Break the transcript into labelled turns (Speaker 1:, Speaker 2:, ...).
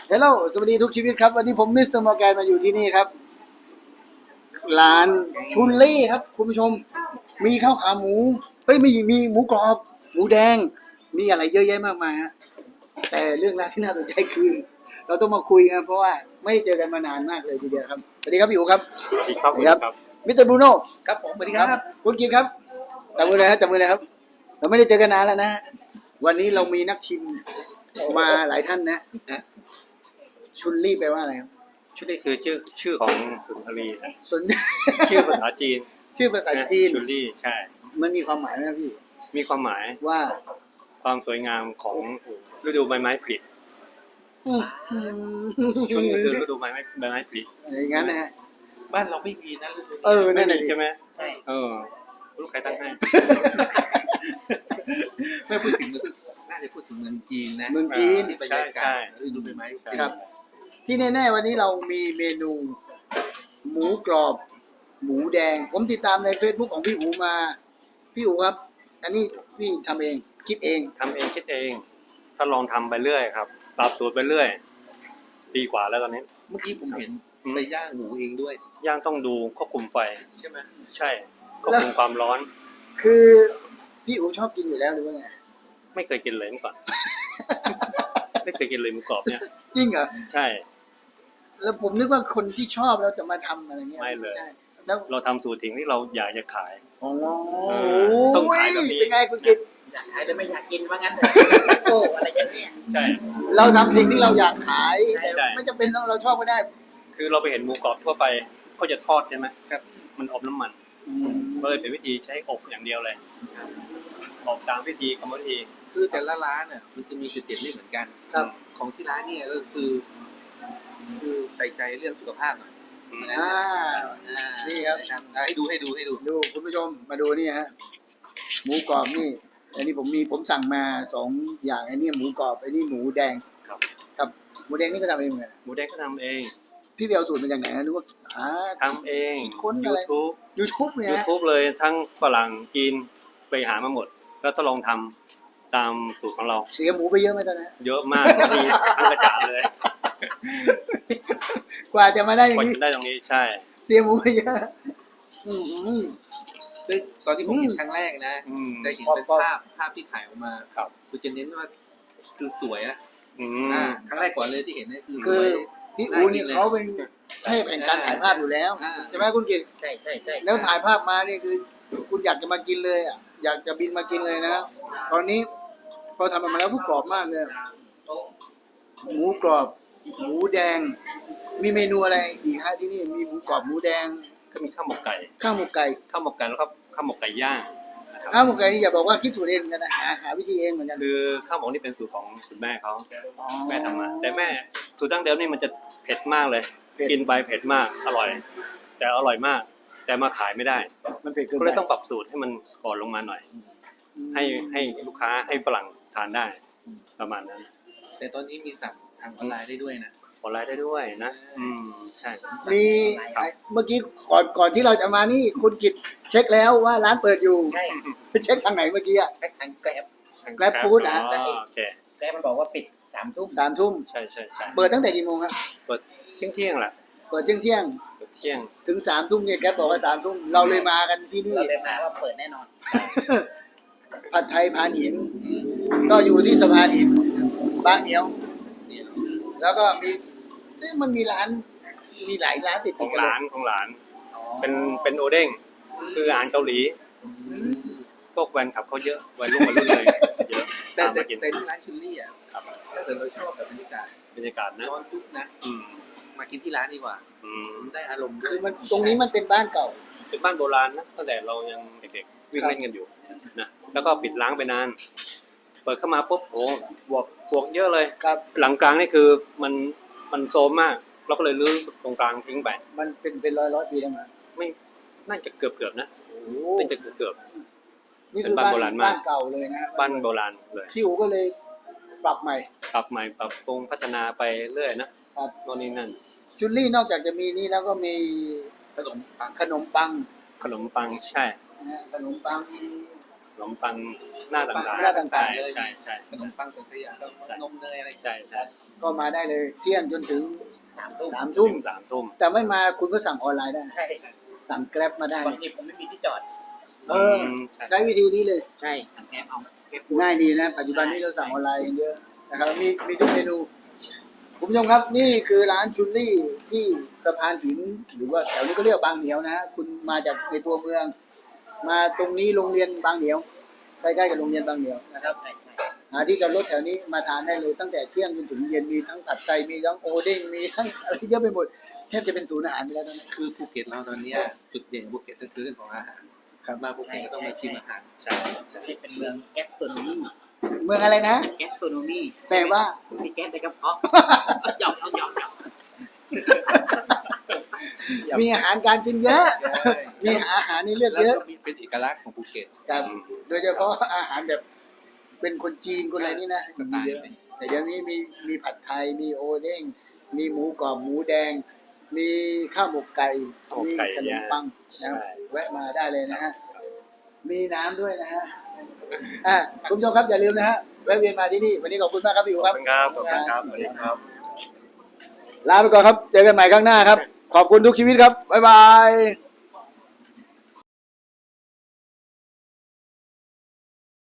Speaker 1: เฮลโลสวัสดีทุกชีวิตครับวันนี้ผมมิสเตอร์มอร์แกนมาอยู่ที่นี่ครับร้านชุนเล่ครับคุณผู้ชมมีข้าวขาหมูเฮ้ยมีหมูกรอบหมูแดงมีอะไรเยอะแยะมากมายฮะแต่เรื่องราวที่น่าสนใจคือเราต้องมาคุยกันเพราะว่าไม่ได้เจอกันมานานมากเลยทีเดียวครับสวัสดีครับพี่อู๋ครับ
Speaker 2: สวัสดีครับ
Speaker 1: สวัสดีครับมิสเตอร์บรูโน่
Speaker 3: ครับผมสวัสดีครับ
Speaker 1: คุณกินครับจับมือเลยครับจับมือเลยครับเราไม่ได้เจอกันนานแล้วนะวันนี้เรามีนักชิมมาหลายท่านนะชุนลี่แปลว่าอะไรครับ
Speaker 2: ชื่อนี้คือชื่อของสุนทรีนะ
Speaker 1: ส่วน
Speaker 2: ชื่อภาษาจีน
Speaker 1: ชื่อภาษาจีน
Speaker 2: ชุลี่ใช่
Speaker 1: มันมีความหมายไหมครับพี่
Speaker 2: มีความหมาย
Speaker 1: ว่า
Speaker 2: ความสวยงามของฤดูใบไม้ผลิช่วงนี้คือฤดูใบไม้ผลิ
Speaker 1: อย่างนั้นนะฮะ
Speaker 3: บ้านเราไม่มีนะฤดู
Speaker 1: เออ
Speaker 2: ไม่
Speaker 1: นั่น
Speaker 2: มี
Speaker 1: แหละ
Speaker 2: ใช่ไหม
Speaker 3: ใช่
Speaker 2: ลูกใครตั้งให้
Speaker 3: ไม่พูดถึงน่าจะพูดถึงเมืองจีนนะ
Speaker 1: เมืองจีน
Speaker 3: ที่บรรยากาศฤดูใบไม้ผลิ
Speaker 1: ครับ ที่แน่ๆวันนี้เรามีเมนูหมูกรอบ หมูแดง ผมติดตามใน Facebook ของพี่อูมาพี่อูครับ อันนี้พี่ทำเองคิดเอง
Speaker 2: ทำเองคิดเองถ้าลองทำไปเรื่อยครับปรับสูตรไปเรื่อยปีกว่าแล้วตอนนี้
Speaker 3: เมื่อกี้ผมเห็นไปย่างหมูเองด้วย
Speaker 2: ย่างต้องดูควบคุมไฟ
Speaker 3: ใช่ไหม
Speaker 2: ใช่ควบคุมความร้อน
Speaker 1: คือพี่อูชอบกินอยู่แล้วหรือว่าไง
Speaker 2: ไม่เคยกินเลยเมื่อก่อน ไม่เคยกินเลยหมูกรอบเนี่ย
Speaker 1: จริงเหรอ
Speaker 2: ใช่
Speaker 1: แล้วผมนึกว่าคนที่ชอบแล้วจะมาทำอะไรเงี้ย
Speaker 2: ไม่เลย
Speaker 1: ใช่แล้ว
Speaker 2: เราทำสูตรถึงที่เราอยากจะขาย
Speaker 1: โอ้
Speaker 2: ต้องขายแบบนี้
Speaker 1: เป็นไงคุณกิต
Speaker 4: อยากขายแต่ไม่อยากกินว่างั้นเถอะโอ้อะไรกันเนี่ย
Speaker 2: ใช่
Speaker 1: เราทำสิ่งที่เราอยากขายแต่
Speaker 2: ใช่
Speaker 1: ไม่จำเป็นต้องเราชอบก็ได้
Speaker 2: คือเราไปเห็นหมูกรอบทั่วไปเขาจะทอดใช่ไหมครับมันอบน้ำมันก็เลยเป็นวิธีใช้อบอย่างเดียวเลยอบตามวิธีกรรมวิธี
Speaker 3: คือแต่ละร้านน่ะมันจะมีจุดเด่นไม่เหมือนกัน
Speaker 1: ครับ
Speaker 3: ของที่ร้านเนี่ยก็คือใส่ใจเรื่องสุขภาพหน่อย
Speaker 2: อืม
Speaker 3: นะ
Speaker 1: อ่า นี่ครับ
Speaker 3: ให้ดู
Speaker 1: ดูคุณผู้ชมมาดูนี่ฮะหมูกรอบนี่อันนี้ผมสั่งมา2 อย่างอันนี้หมูกรอบอันนี้หมูแดง
Speaker 2: ครับ
Speaker 1: ครับหมูแดงนี่ก็ทำเองเหมือนกัน
Speaker 2: หมูแดงก็ทำเอง
Speaker 1: พี่ไปเอาสูตรมาจากไหนหรือว่า
Speaker 2: ทำเอง
Speaker 1: ค้นอะไร
Speaker 2: YouTube
Speaker 1: YouTube เนี่ยฮะ
Speaker 2: YouTube เลยทั้งฝรั่งจีนไปหามาหมด แล้วก็ลองทำตามสูตรของเรา
Speaker 1: เสียหมูไปเยอะไหมตอนนั้น
Speaker 2: เยอะมากมีทั้งกระจาดเลย
Speaker 1: กว่าจะมาได้อก ย่า
Speaker 2: ว่าง
Speaker 1: นี้
Speaker 2: จะได้ตรงนี้ใช่
Speaker 1: เสียหมูไปเยอะอื้อหือ
Speaker 3: ซึ่งตอนที่ผมเห็นครั้งแรกนะ
Speaker 2: อืม
Speaker 3: จะเห็นเป็นภาพที่ถ่ายออกมา
Speaker 2: ครับ
Speaker 3: คือจะเน้นว่าคือสวยอะ
Speaker 2: อืม
Speaker 3: ครั้งแรกก่อนเลยที่เห็นเนี่ยคือส
Speaker 1: คื
Speaker 3: ว
Speaker 1: อย พี่อูนี่เขาเป็นเทพแห่งการถ่ายภาพอยู่แล้ว
Speaker 3: อ่า
Speaker 1: ใช่ไหมคุณกิต
Speaker 4: ใช่ใช่ใช่
Speaker 1: แล้วถ่ายภาพมานี่คือ คุณอยากจะมากินเลยอ่ะอยากจะบินมากินเลยนะตอนนี้พอทำออกมาแล้วผู้กรอบมากเลยหมูกรอบหมูแดง มีเมนูอะไรอีกฮะที่นี่มีหมูกรอบหมูแดง
Speaker 2: ก็มีข้าวหมกไก่
Speaker 1: ข้าวหมกไก่
Speaker 2: ข้าวหมกไก่แล้วก็ข้าวหมกไก่ย่างนะครับ
Speaker 1: ข้าวหมกไก่นี่อย่าบอกว่าคิดสูตรเองเหมือนกันนะหาวิธีเองเหมือนกัน
Speaker 2: คือข้าวหมกนี่เป็นสูตรของคุณแม่เขา
Speaker 1: อ๋อ
Speaker 2: แม่ทำมาแต่แม่สูตรดั้งเดิมนี่มันจะเผ็ดมากเลย
Speaker 1: เผ็ด
Speaker 2: กินไปเผ็ดมากอร่อย แต่อร่อยมาก แต่มาขายไม่ได้
Speaker 1: มันเผ็ดเกิน
Speaker 2: ก็
Speaker 1: ไป
Speaker 2: เลยต้องปรับสูตรให้มันอ่อนลงมาหน่อย ให้ลูกค้าให้ฝรั่งทานได้ประมาณนั้น
Speaker 3: แต่ตอนนี้มีสั่งทางออนไลน์ได้ด้วยนะ
Speaker 2: ออนไลน์ได้ด้วยนะ ใช่
Speaker 1: มีเมื่อกี้ก่อนที่เราจะมานี่คุณกิตเช็คแล้วว่าร้านเปิดอยู่
Speaker 4: ใช่
Speaker 1: เช็คทางไหนเมื่อกี้อะ
Speaker 4: แพ็คทางแกร็บ
Speaker 1: Grab Food อ่ะ
Speaker 2: โอเค
Speaker 4: แกร็บมันบอกว่าปิด3 ทุ่ม
Speaker 1: 3 ทุ่ม
Speaker 2: ใช่ใช่ใช่
Speaker 1: เปิดตั้งแต่กี่โมงครับ
Speaker 2: เปิดเที่ยงแหละ
Speaker 1: เปิดเที่ยง
Speaker 2: เปิดเที่ยง
Speaker 1: ถึง3 ทุ่มเนี่ยแกบอกว่า3 ทุ่มเราเลยมากันที่นี่
Speaker 4: เราเลยมาว่าเปิดแน่นอน
Speaker 1: ผัดไทยพานหิน ก็อยู่ที่สะพานหินบางเหนียว แล้วก็มีมันมีร้านมีหลายร้านติด
Speaker 2: ข
Speaker 1: ติ
Speaker 2: อ
Speaker 1: ด
Speaker 2: ง
Speaker 1: กันเล
Speaker 2: ร้าย นของร้าน เป็นโอเด้งคืออาหารเกาหลี พวกแฟนคลับเขาเยอะวัยรุ่นเลยเยอะ
Speaker 3: แต่
Speaker 2: ตามมากิน
Speaker 3: ที่ร้านชิลลี่อ่ะ
Speaker 2: ครับ
Speaker 3: ถ้าเกิดเราชอบแบบบรรยากาศ
Speaker 2: บรรยากาศนะ
Speaker 3: ร้อนทุกนะ
Speaker 2: อืม
Speaker 3: มากินที่ร้านดีกว่า
Speaker 2: อืม
Speaker 3: ได้อารมณ์ด้ว
Speaker 1: คื
Speaker 3: ย
Speaker 1: อมันตรงนี้มันเป็นบ้านเก่า
Speaker 2: เป็นบ้านโบราณนะตั้งแต่เรายังเด็กๆวิ่งเล่นกันอยู่นะแล้วก็ปิดล้างไปนาน เปิดเข้ามาปุ๊บโอ้บวกเยอะเลย
Speaker 1: ครับ
Speaker 2: หลังกลางนี่คือมันโซมมาก เราก็เลยรื้อตรงกลางทิ้งไป
Speaker 1: มันเป็นร้อยปีแล้วมั้ง
Speaker 2: ไม่น่าจะเกือบนะ
Speaker 1: โอ้โห
Speaker 2: น่าจะเกือบ
Speaker 1: นี่คือ
Speaker 2: เป็นบ้านโบราณมาก
Speaker 1: บ้านเก่าเลยนะ
Speaker 2: บ้านโบราณเลย
Speaker 1: พี่อูก็เลยปรับใหม่
Speaker 2: ปรับใหม่ปรับปรุงพัฒนาไปเรื่อยนะครับ โน่นนี่นั่น
Speaker 1: จุลลี่นอกจากจะมีนี่แล้วก็มี
Speaker 3: ขนมปัง
Speaker 1: ขนมปัง
Speaker 2: ขนมปังใช่
Speaker 1: นะฮะขนมปัง
Speaker 2: ขนมปังหน้าต่างๆ
Speaker 1: หน้าต่างๆ
Speaker 2: ใช่ใช่ใช่
Speaker 3: ขนมปังสังขยาก็นมเนยอะไร
Speaker 2: ใช่ใช่
Speaker 1: ก็มาได้เลยเที่ยงจนถึง
Speaker 4: 3 ทุ่ม
Speaker 1: 3 ทุ่ม
Speaker 2: 3 ทุ่ม
Speaker 1: แต่ไม่มาคุณก็สั่งออนไลน์ได้
Speaker 4: ใช่
Speaker 1: สั่งแกร็บมาได้
Speaker 4: บางทีผมไม่มีที่จอด
Speaker 1: เออ
Speaker 2: ใช่
Speaker 1: ใช้วิธีนี้เลย
Speaker 4: ใช่สั่งแก๊ปเอาแก๊ป
Speaker 1: ง่ายดีนะ ปัจจุบันนี้เราสั่งออนไลน์กันเยอะนะครับมีทุกเมนูคุณผู้ชมครับนี่คือร้านชุนลี่ที่สะพานหินหรือว่าแถวนี้ก็เรียกบางเหนียวนะคุณมาจากในตัวเมือง มาตรงนี้โรงเรียนบางเหนียวใกล้ๆกับโรงเรียนบางเหนียวนะครับ
Speaker 4: ใช่ใช่
Speaker 1: หาที่จอดรถแถวนี้มาทานได้เลยตั้งแต่เที่ยงจนถึงเย็นมีทั้งผัดไทยมีทั้งโอเด้งมีทั้งอะไรเยอะไปหมดแทบจะเป็นศูนย์อาหารไปแล้วตอนนี้
Speaker 3: คือภูเก็ตเราตอนเนี้ยจุดเด่นภูเก็ตก็คือเรื่องของอาหาร
Speaker 1: ครับ
Speaker 3: มาภูเก็ตก็ต้องมาชิมอาหาร
Speaker 2: ใช่
Speaker 4: ที่เป็นเมืองแกสโตรโนมี
Speaker 1: เมืองอะไรนะ
Speaker 4: แกสโตรโนมี
Speaker 1: แปลว่า
Speaker 4: มีแก๊สในกระเพาะหยอกหยอก
Speaker 1: มีอาหารการกินเยอะ มีอาหารนี่เลือก
Speaker 3: แล้ว
Speaker 1: เยอะ
Speaker 3: ก็มีเป็นเอกลักษณ์ของภูเก็ต
Speaker 1: ครับโดยเฉพาะอาหารแบบเป็นคนจีนคนอะไรนี่นะมีเยอะแต่เดี๋ยวนี้มีผัดไทยมีโอเด้งมีหมูกรอบหมูแดง มีข้าวหมกไก่มีขนมปังนะครับแวะมาได้เลยนะฮะมีน้ำด้วยนะฮะคุณผู้ชมครับอย่าลืมนะฮะแวะเวียนมาที่นี่วันนี้ขอบคุณมากครับพี่อู๋
Speaker 2: ข
Speaker 1: ค
Speaker 2: อ
Speaker 1: รั
Speaker 2: บบ คุณครับขอบคุณครับสวัสดีครับ
Speaker 1: ลาไปก่อนครับ เจอกันใหม่ครั้งหน้าครับ ขอบคุณทุกชีวิตครับ บ๊ายบาย